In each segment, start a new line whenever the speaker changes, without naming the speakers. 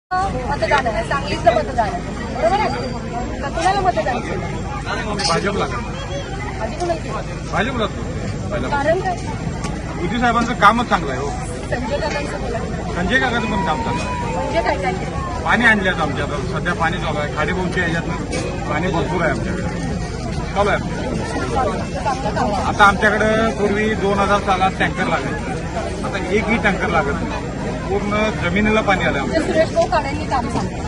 मतदान आहे, सांगलीचं मतदान आहे, बरोबर आहे का? कुणाला मतदान केलं?
भाजपला
आधी कुणाला केलं?
भाजपला
कारण काय?
मोदी साहेबांचं कामच चांगलं आहे हो.
संजय काकांचं बोला.
संजय काकाचं पण काम चांगलं आहे.
म्हणजे काय काय केलं?
पाणी आणल्यात आमच्याकडे, सध्या पाणी चालू आहे. खाडीभाऊच्या ह्याच्यातनं पाणी भरपूर आहे आमच्याकडे, चालू आहे
चांगलं काम आहे.
आता आमच्याकडे पूर्वी 2000 सालात टँकर लागायचे, आता एकही टँकर लागत नाही. पूर्ण जमिनीला पाणी आलं
म्हणजे सुरेश भाऊ काळेंनी काम सांगितलं.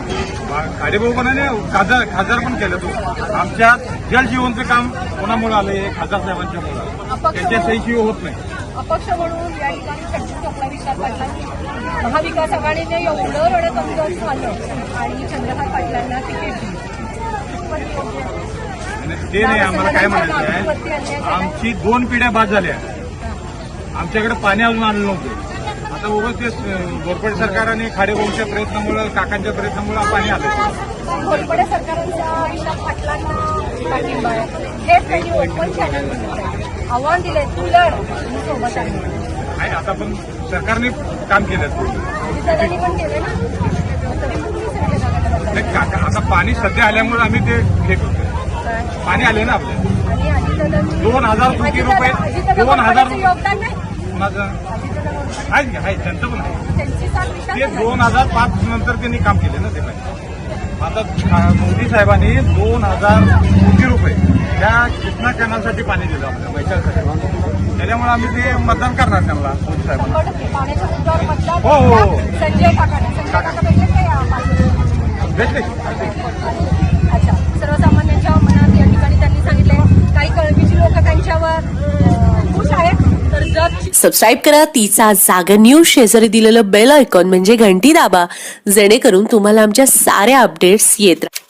खाडीभाऊ पण आहे, खासदार पण केलं तो. आमच्या जलजीवनचं काम कोणामुळे आलंय? खासदार साहेबांच्या मुळे. त्यांच्या सहीशिवाय होत नाही.
अपक्ष म्हणून या ठिकाणी चर्चेत आपला विचार पाटलांनी महाविकास आघाडीने एवढं रडतंगत झालं आणि चंद्रकांत पाटलांना तिकीट दिलं.
आणि ते नाही, आम्हाला काय म्हणायचं आहे, आमची 2 पिढ्या बाद झाल्या, आमच्याकडे पाणी अजून आणलं नव्हतं. आता उगाच ते घोरपडे सरकार आणि खाडेभाऊच्या प्रयत्नामुळे, काकांच्या प्रयत्नामुळे पाणी आलं.
घोरपडे सरकारांच्या आयुष्यात पाटलांना पाठिंबा आहे. हेच त्यांनी ओपन चॅनल आव्हान दिले, तू लढ, मी सोबत आहे.
आता पण सरकारने काम केलं.
अजितदादांनी पण केलं ना, तरी पण मी संजय काकांना
नाही, काका आता पाणी सध्या आल्यामुळे आम्ही ते हे करतो.
काय?
पाणी आले ना आपल्या
आणि अजितदादांनी
2000 कोटी रुपये, 2000
योगदान नाही.
माझं आहे त्यांचं पण आहे.
त्यांची साथ विचार
ते 2005 नंतर त्यांनी काम केले ना ते पाहिजे. आता मोदी साहेबांनी 2000 कोटी रुपये त्या कृष्णा कॅनलसाठी पाणी दिलं आपल्या मैत्रीसाठी. त्याच्यामुळे आम्ही ते मतदान करणार त्यांना मोदी साहेबांना.
पाण्याच्या मुद्द्यावर मतदान
हो, हो, हो.
संजय काका भेटले काय
भेटले.
अच्छा, सर्वसामान्यांच्या मनात या ठिकाणी त्यांनी सांगितलंय काही कळवीची लोक त्यांच्यावर खुश आहेत, तर जर
सबस्क्राईब करा तिचा जागर न्यूज, शेजारी दिलेलं बेल आयकॉन म्हणजे घंटी दाबा, जेणेकरून तुम्हाला आमच्या साऱ्या अपडेट्स येत राहतील.